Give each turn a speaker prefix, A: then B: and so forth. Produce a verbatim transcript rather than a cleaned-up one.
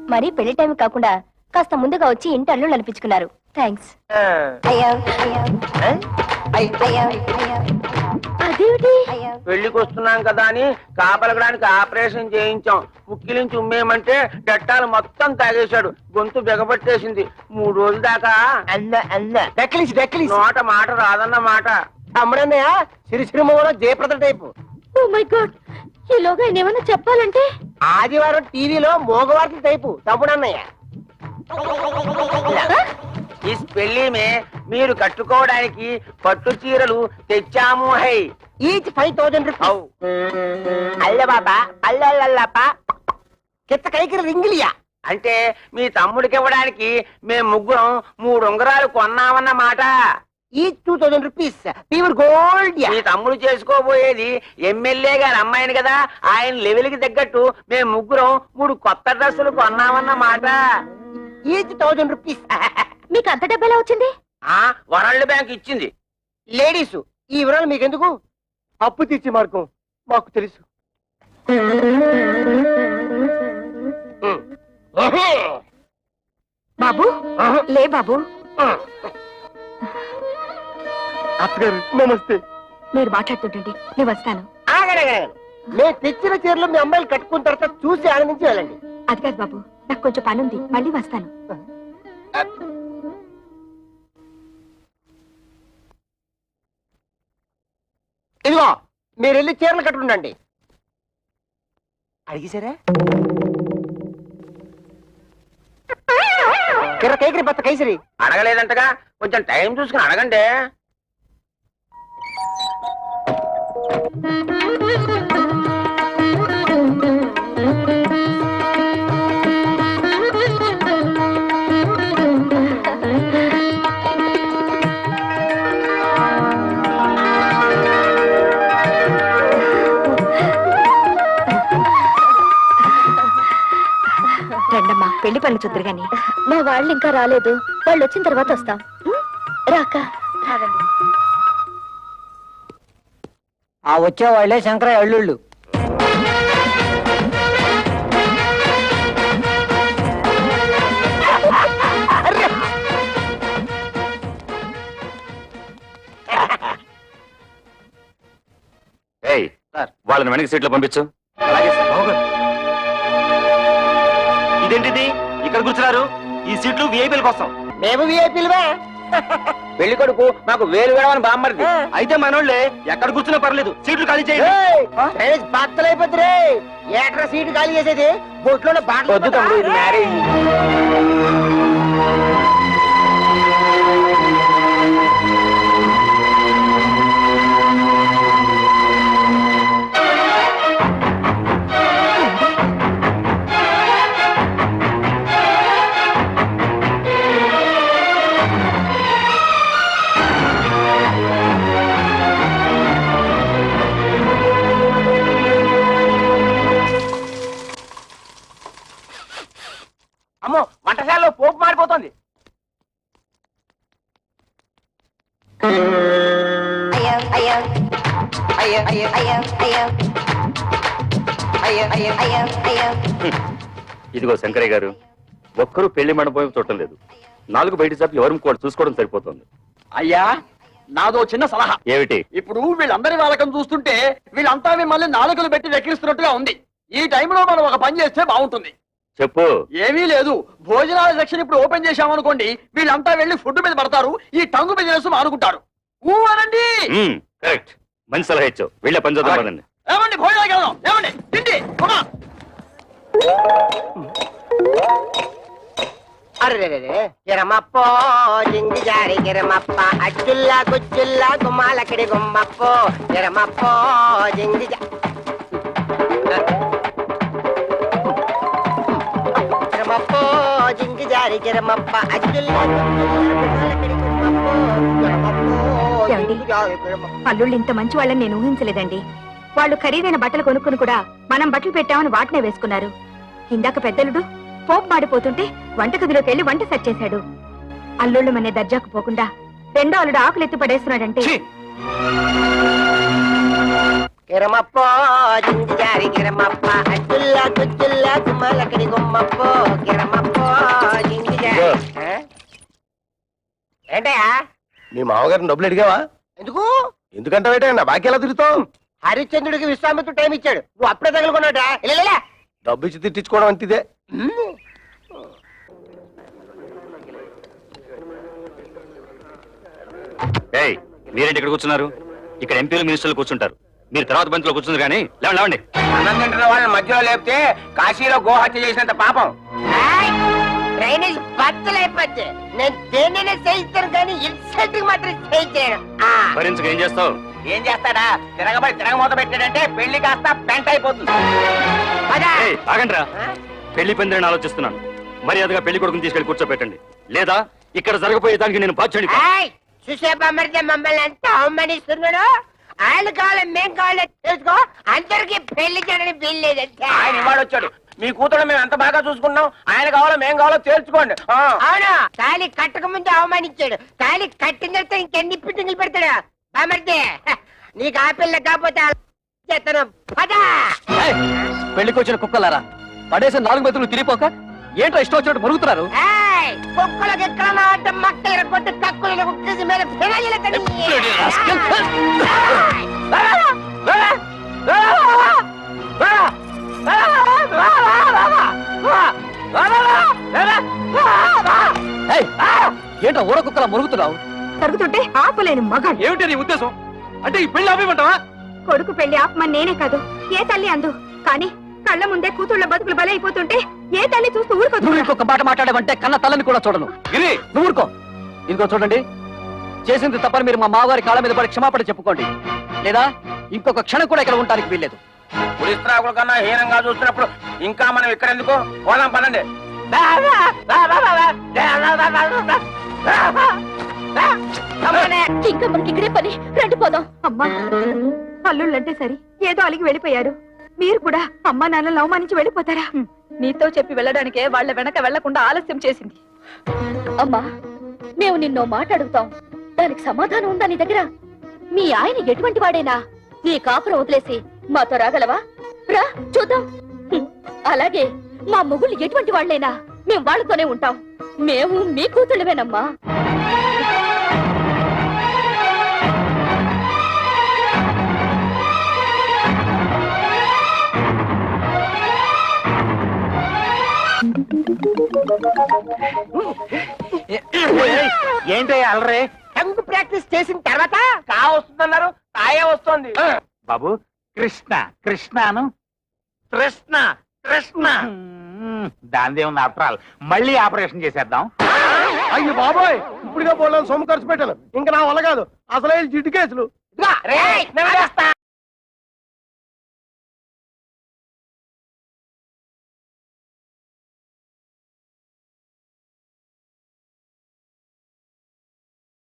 A: మరి పెళ్లి టైం కాకుండా కాస్త ముందుగా వచ్చి ఇంటి అల్లు నడిపించుకున్నారు. థ్యాంక్స్. అదేమిటి?
B: పెళ్లికి వస్తున్నాం కదా అని కాపలగడానికి ఆపరేషన్ చేయించాం. ముక్కిలించి ఉమ్మేయమంటే డట్టాలు మొత్తం తాగేశాడు. గొంతు బిగబట్టేసింది. మూడు రోజుల దాకా నోట మాట రాదన్న మాట.
C: అమ్మడన్నయ్య సిరిసిరిమూల Jayaprada type.
A: Oh my god, ఈలోగా ఆయన ఏమన్నా చెప్పాలంటే
C: ఆదివారం టీవీలో మోగవార్తల టైపు తమ్ముడన్నయ్య.
B: ఈ పెళ్లి మే మీరు కట్టుకోవడానికి పట్టు చీరలు తెచ్చాము. హై
C: ఈచ్ ఫైవ్ థౌజండ్ రూపీస్. అల్ల బాబా అల్లల్లప్ప కిత్త కైకి రింగిలియా
B: అంటే మీ తమ్ముడికి ఇవ్వడానికి మేము ముగ్గురం మూడు ఉంగరాలు కొన్నామన్న మాట.
C: Each two thousand rupees pure gold.
B: మీ తమ్ముడు చేసుకోబోయేది ఎమ్మెల్యే గారి అమ్మాయిని కదా, ఆయన లెవెల్ కి తగ్గట్టు మేము ముగ్గురం మూడు కొత్త డ్రెస్సులు కొన్నామన్న మాట.
C: Each thousand rupees.
A: మీకు అంత డబ్బు ఎలా వచ్చింది?
B: ఆ వరల్డ్ బ్యాంక్ ఇచ్చింది.
C: లేడీస్ ఈ వివరాలు మీకెందుకు? అప్పు తీర్చే మార్గం మాకు తెలుసు.
A: బాబు లే బాబు.
C: అత్తగారు నమస్తే.
A: మీరు మాట్లాడుతుంటండి, నేను వస్తాను.
C: మేము తెచ్చిన చీరలు మీ అమ్మాయిలు కట్టుకున్న తర్వాత చూసి ఆనందించి వెళ్ళండి.
A: అది కాదు బాబు, నాకు కొంచెం పని ఉంది, మళ్ళీ వస్తాను.
C: ఇదిగో మీరు వెళ్ళి చీరలు కట్టుకుండండి. అడిగేశారా? కిర్ర కైకిరి బత్త కైసరి
B: అడగలేదంటగా, కొంచెం టైం చూసుకుని అడగండి.
A: రండమ్మా, పెళ్లి పనులు చూద్దరు గాని. మా వాళ్ళు ఇంకా రాలేదు, వాళ్ళు వచ్చిన తర్వాత వస్తాం. రాక
C: ఆ వచ్చే వాళ్ళే శంకర అల్లుళ్ళు.
D: వాళ్ళని వెనక్కి సీట్లో పంపించు. ఇదేంటిది ఇక్కడ కూర్చున్నారు? ఈ సీట్లు విఐపీల కోసం.
C: మేము విఐపీలువే.
B: పెళ్లి కొడుకు మాకు వేలు వేడమని బామ్మరిది.
D: అయితే మనోళ్ళే ఎక్కడ కూర్చున్నా పర్లేదు, సీట్లు ఖాళీ చేయండి.
C: బాత్తలైపోతురే. ఏట్రా సీటు ఖాళీ చేసేది? బొట్లో
B: వద్దు తమ్ముడు, ఇది మ్యారేజ్. అమ్మో, వంటశాలలో పోపు మారిపోతుంది.
D: ఇదిగో శంకరయ్య గారు, ఒక్కరూ పెళ్లి మండపం చూడటం లేదు. నాలుగు బయట చాపి ఎవరు కూడా చూసుకోవడం సరిపోతుంది.
E: అయ్యా, నాదో చిన్న సలహా.
D: ఏమిటి?
E: ఇప్పుడు వీళ్ళందరి వాళ్ళకం చూస్తుంటే వీళ్ళంతా మిమ్మల్ని నాలుగులు పెట్టి వెక్కిరిస్తున్నట్టుగా ఉంది. ఈ టైంలో మనం ఒక పని చేస్తే బాగుంటుంది.
D: చెప్పు.
E: ఏమీ లేదు, భోజనాల సెక్షన్ ఇప్పుడు ఓపెన్ చేశామనుకోండి, వీళ్ళంతా వెళ్లి ఫుడ్ మీద పడతారు, ఈ టంగు బిజినెస్ మానుకుంటారు. ఊ అనండి.
D: కరెక్ట్, మంచి సలహా ఇచ్చావు. వెళ్ళే పని చూద్దాం పదండి.
E: ఏమండి, భోజనాలకు వెళ్దాం. ఏమండి, తిండి.
C: అరే కిరమప్పో జింగి జారి కిరమప్ప అచ్చుల్లా గుచ్చుల్లా గుమ్మాలకిడి గుమ్మప్పో కిరమప్పో జింగి కిరమప్పో జింగి జారి కిరమప్ప అచ్చుల్లా గుమ్మాలకిడి గుమ్మప్పో కిరమప్పో.
A: అల్లుళ్ళు ఇంత మంచి వాళ్ళని నేను ఊహించలేదండి. వాళ్ళు ఖరీదైన బట్టలు కొనుక్కుని కూడా మనం బట్టలు పెట్టామని వాటినే వేసుకున్నారు. ఇందాక పెద్దలుడు పోపు మాడిపోతుంటే వంటగదిలోకి వెళ్లి వంట సెట్ చేశాడు. అల్లుళ్ళు మనే దర్జాకు పోకుండా రెండో అల్లుడు ఆకులు ఎత్తి పడేస్తున్నాడంటే
C: కిరమప్పో జింజారి కిరమప్ప అచ్చుల్లా తుచ్చుల్లా కుమ్మలకడి గుమ్మప్పో కిరమప్పో జింజారి ఏంటయ్యా
F: మీ మామగారిని డబ్బులు అడిగావా?
C: ఎందుకు
F: ఎందుకంటే నా బాకీ ఎలా తిరుగుతావు?
C: హరిశ్చంద్రుడికి విశ్వామిత్రుడు టైం ఇచ్చాడు నువ్వు అప్పుడే తగులుకున్నాడా ఇలా
F: డబ్బు ఇచ్చి తిట్టించుకోవడం అంతిదే.
D: ఏయ్ మీరేంటి ఇక్కడ కూర్చున్నారు? ఇక్కడ ఎంపీలు మినిస్టర్లు కూర్చుంటారు. మీరు తర్వాత బంతిలో కూర్చుంది కానీ లేవండి లేవండి.
B: అన్నం తింటున్న వాళ్ళని మధ్యలో లేపితే కాశీలో గోహత్య చేసినంత పాపం.
C: డ్రైనేజ్ బద్దలైపోతే నేను దేన్నైనా చేయిస్తాను కానీ ఇన్సల్ట్ మాత్రం చేయించాను
D: భరించక ఏం చేస్తావు?
B: ఏం చేస్తాడా? తిరగబడి తిరగమూత పెట్టాడంటే పెళ్లి కాస్త పెంట అయిపోతుంది.
D: ఏయ్, ఆగండ్రా. పెళ్లి పందిరని ఆలోచిస్తున్నాను. మర్యాదగా పెళ్లి కొడుకుని తీసుకెళ్లి కూర్చోబెట్టండి, లేదా ఇక్కడ జరగబోయే దానికి నేను బాధ్యుడి.
C: చూసే బొమ్మడితే మమ్మల్ని అంతా అవమానిస్తున్నాడు. ఆయన కావాలి మేం కావాలి తెలుసుకో. అందరికి పెళ్లి చేయడానికి వీల్లేదంటే
B: ఆయన ఇవాడు వచ్చాడు. మీ కూతురు మేము ఎంత బాగా చూసుకున్నాం. ఆయన కావాలో మేం కావాలో తేల్చుకోండి. ఆ.
C: అవును, తాళి కట్టక ముందు అవమానించాడు. తాళి కట్టిన తర్వాత ఇంకెన్ని పిట్టింగులు పెడతాడు బామర్దే. నీకు ఆ పిల్ల కాకపోతే చేస్తాను పదా.
E: పెళ్లికి వచ్చిన కుక్కలారా, పడేసిన నాలుగు మెతులు తిరిగిపోక ఏంటో ఇష్టం వచ్చినట్టు మరుగుతున్నారు.
C: కుక్కలకు ఎక్కడ అంటే మక్కలు కొట్టి కక్కులను కుక్కేసి మీద ఫినాయిల్ కడి.
E: ఏంటో ఊర కుక్కలా మురుగుతున్నావు?
A: తరుగుతుంటే ఆపలేని మగాడు.
E: ఏమిటి నీ ఉద్దేశం? అంటే ఈ పెళ్లి ఆపేయమంటావా?
A: కొడుకు పెళ్లి ఆపమని నేనే కాదు, ఏ తల్లి అందు. కానీ కళ్ళ ముందే కూతుళ్ళ బతుకులు బలైపోతుంటే ఏ తల్లి చూస్తూ ఊరుకోదు.
E: నువ్వు ఇంకొక మాట మాట్లాడమంటే కన్న తల్లని కూడా చూడను. గిరి, నువ్వు ఊరుకో. ఇంకో చూడండి, చేసింది తప్పని మీరు మా మామగారి కాళ్ళ మీద పడి క్షమాపణ చెప్పుకోండి, లేదా ఇంకొక క్షణం కూడా ఇక్కడ ఉండడానికి వీల్లేదు.
B: పులిస్త్రాకుల కన్నా హీనంగా చూస్తున్నప్పుడు ఇంకా మనం ఇక్కడ ఎందుకు? పోదాం పనండి.
A: ఇంకా మనకి ఇక్కడే పని, రండి పోదాం. అమ్మా, అల్లుళ్ళంటే సరి ఏదో అలిగి వెళ్ళిపోయారు. మీరు కూడా అమ్మా నాన్నలు అవమానించి వెళ్ళిపోతారా? నీతో చెప్పి వెళ్ళడానికే వాళ్ళ వెనక వెళ్లకుండా ఆలస్యం చేసింది. అమ్మా, మేము నిన్నో మాట అడుగుతాం, దానికి సమాధానం ఉందా నీ దగ్గర? మీ ఆయన ఎటువంటి వాడేనా? నీ కాపురం వదిలేసి మాతో రాగలవా? రా చూద్దాం. హ్మ్, అలాగే మా మొగుళ్ళు ఎటువంటి వాళ్ళైనా మేము వాళ్ళతోనే ఉంటాం. మేము మీ కూతుళ్ళవేనమ్మా.
B: ఏంటయ్యా అలరే?
C: టంగు ప్రాక్టీస్ చేసిన తర్వాత
B: కా వస్తుందన్నారు, కాయే వస్తుంది.
G: బాబు కృష్ణ కృష్ణను
B: కృష్ణ కృష్ణ
G: దాని ఏముంది ఆఫ్టర్ మళ్ళీ ఆపరేషన్ చేసేద్దాం.
F: అయ్యి బాబోయ్, ఇప్పుడుగా పోలేదు సొమ్ము ఖర్చు పెట్టాను. ఇంకా నా వల్ల కాదు. అసలే జిడ్డు కేసులు.
C: రేయ్, నేను చేస్తా.